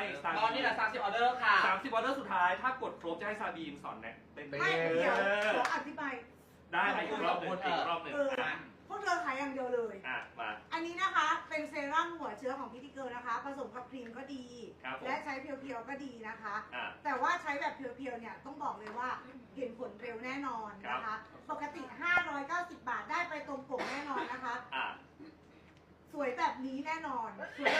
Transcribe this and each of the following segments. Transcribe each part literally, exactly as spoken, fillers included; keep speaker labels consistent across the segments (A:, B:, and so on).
A: ตอนนี้แหละสามสิบออเดอร์ค่ะ
B: สามสิบออเดอร์สุดท้ายถ้ากดครบจะให้ซาบีมสอนแนะเต้น
C: ไม่เดี๋ยวขออธิบาย
B: ได้อีกรอบหนึ่งอีกรอบหนึ่งอ่ะ
C: พวกเธอขายอย่างเดียวเลย
B: อ่ะมา
C: อันนี้นะคะเป็นเซรั่มหัวเชื้อของพิธีเกิร์นะคะ ผสมกับครีมก็ดี และใช้เพียวๆก็ดีนะคะ แต่ว่าใช้แบบเพียวๆเนี่ยต้องบอกเลยว่าเห็นผลเร็วแน่นอนนะคะ ปกติห้าร้อยเก้าสิบบาทได้ไปตรงปกแน่นอนนะคะ สวยแบบนี้แน่นอนสวย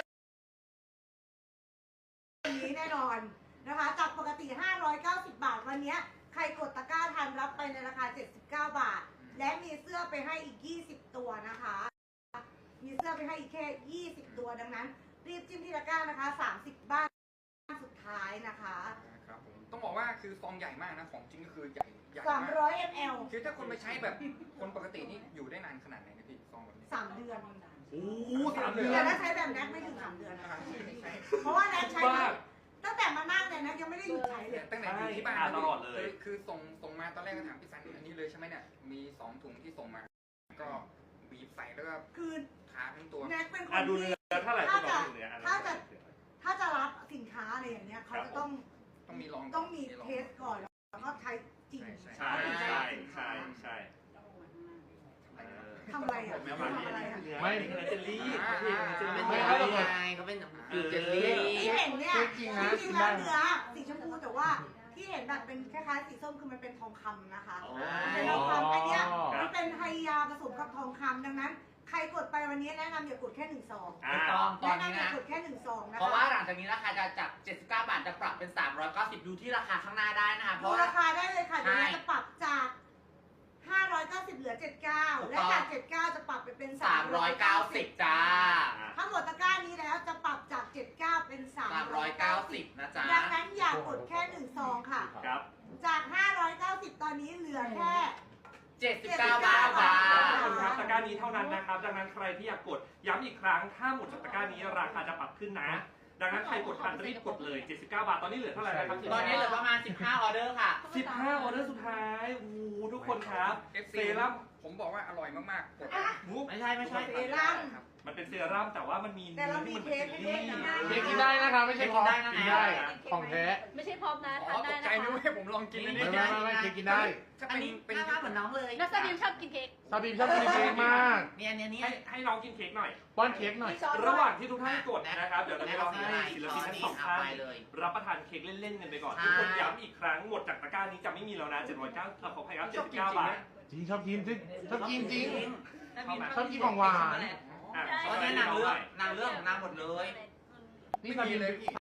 C: แบบนี้แน่นอนนะคะจากปกติห้าร้อยเก้าสิบบาทวันนี้ใครกดตะกร้าทันรับไปในราคาเจ็ดสิบเก้าบาทและมีเสื้อไปให้อีกยี่สิบตัวนะคะมีเสื้อไปให้อีกแค่ยี่สิบตัวดังนั้นรีบจิ้มที่ตะกร้านะคะสามสิบบ้านสุดท้ายนะคะ
D: ครับผมต้องบอกว่าคือซองใหญ่มากนะของจริงก็คือใหญ่ใหญ่มาก
C: สามร้อยมล
D: คือถ้าคนไปใช้แบบคนปกตินี่อยู่ได้นานขนาดไหนนะพี่ซองแบบนี้
C: สามเดือน
B: โอ้สามเดือน
C: แต่ถ้าใช้แบบแน็กไม่ถึงสามเดือนนะคะเพราะว่าแน็กใช้ตั้งแต่มานั่งเนี่ยแน็กยังไม่ได้หยุดใช้เลย
D: ตั้งแต่อยู่ที่บ้าน
B: ตลอดเลย
D: คือส่งส่งมาตอนแรกก็ถามพี่สันอันนี้เลยใช่ไหมเนี่ยมีสองถุงที่ส่งมาก็บีบใส่แล้วก็
C: คือ
D: ทาทั้งตัว
C: แน็กเป็นคน
B: อ่ะดู
C: ที่
B: เนื้อเท่าไหร่
C: ถ้า
B: คุณ
C: จะ
B: บอกเนื้อ
C: ถ้าจะถ้าจะรับสินค้าอะไรอย่างเงี้ยเขาจะต้อง
D: ต้องมีลอง
C: ต้องมีเทสก่อนแล้วก็ใช้จริง
B: ใช่ใช่ใช่ใช่เออ
C: ทำอะไรอ่ะ
B: ไม่
C: ทำอะไรอ่ะ
B: ไม่เนื้อเจลลี่
E: ไม่เขาเป็นไงเขาเป็นเจลลี่
C: ที่เห็นเนี่ยจริงๆแล้วเนื้อสีชมพูแต่ว่าที่เห็นแบบเป็นคล้ายๆสีส้มคือมันเป็นทองคำนะคะเป็นทองคำอันเนี้ยมันเป็นไฮยาผสมกับทองคำดังนั้นใครกดไปวันนี้แนะนำอย่ากดแค่หนึ่งซอง
A: ไม่ต้องตอน
C: แนะ
A: นี้
C: นำอย่า
A: นะ
C: กดแค่หนึ่งซองนะคะ
A: เพราะว่าหลังจากนี้ราคาจะจากเจ็ดสิบเก้าบาทจะปรับเป็นสามร้อยเก้าสิบดูที่ราคาข้างหน้าได้นะคะเพ
C: ดู
A: ราะ
C: ราคาได้เลยค่ะเดี๋ยวเราจะปรับจากห้าร้อยเก้าสิบเหลือเจ็ดสิบเก้าและจากเจ็ดสิบเก้าจะปรับไปเป็นสา
A: สาม ม
C: ร้
A: ร้
C: อ
A: อย ย
C: เก้า
A: เก้า
C: สิ
A: สิ
C: บบ
A: จ้า
C: ถ้าหมดตะกร้านี้แล้วจะปรับจากเจ็ดสิบเก้าเป็นสาม
A: สาม
C: ร้
A: ร้
C: อ
A: อย ย
C: เก้า
A: เก้า
C: สิ
A: สิ
C: บบ
A: นะจ๊ะ
C: ดังนั้นอย่ากดแค่หนึ่งซองค่ะ
B: ครับ
C: จากห้าร้อยเก้าสิบตอนนี้เหลือแค่
A: เจ็ดสิบเก้าบาทจ้า
B: ทุกคนครับตะกร้านี้เท่านั้นนะครับดังนั้นใครที่อยากกดย้ำอีกครั้งถ้าหมดจากตะกร้านี้ราคาจะปรับขึ้นนะดังนั้นใครกดทันรีบกดเลยเจ็ดสิบเก้าบาทตอนนี้เหลือเท่าไหร่นะครับ
A: ตอนนี้เหลือประมาณสิบห้าออเดอร์ค่ะ
B: สิบห้าออเดอร์สุดท้ายโอ้โหทุกคนครับ
D: เอฟ
B: เซ
D: ซี
B: รั่ม
D: ผมบอกว่าอร่อยมากๆกด
B: มุก
A: ไม่ใช่ไม่ใช่
C: เซรั่ม
B: มันเป็นเซรั่มแต่ว่ามันมี
C: แต่เรามี
B: ที่มัน
C: เท
B: เป็น
C: ส
B: เจล
C: ให้
B: ลี่
C: ด้วยนะ
E: เค้กกินได้นะครับไม่ใช่พร้อมกินได้ของแท้
F: ไม่ใช่พร้อมนะ
D: อ๋อ
F: ทาน
D: ต
F: ได้
D: กใจ
F: นะ
D: นึก
F: คะ
D: ว่าผมลองกินอัน
E: ไม่
D: นี้
E: ไม่ไม่เค้กกินได้
D: ถ้า
A: อัน
D: เป็น
A: นี้
D: เป็น
A: หน้าเหมือนน้องเลย
F: นักแสดงชอบกินเค้ก
E: ซาบีมชอบกินเค้กมาก
A: เนี่ยเนี่ยเนี่ย
B: ให้ให้น้องกินเค้กหน่อย
E: ป้อนเค้กหน่อย
B: ระหว่างที่ทุกท่านกดนะครับเดี๋ยวเราจะลองให้ศิลปินทั้งสองท่าน
A: ไปเลย
B: รับประทานเค้กเล่นๆกันไปก่อน
A: ใช่
B: ทุกคนย้ำอีกครั้งหมดจากตะกร้านี้จะไม่มีแล้วนะเจ็ดร้อยเก้าขออภัยครับเจ็ดสิบเก้าบาท
E: จริงชอบกินจริงชอบกินจริง
B: เข้ามา
E: ชอบกินของหวาน
B: อ่ะ
A: เพราะเนี่ยนางเลือกนางเลือกของนางหมดเลย
E: นี่ซาบีม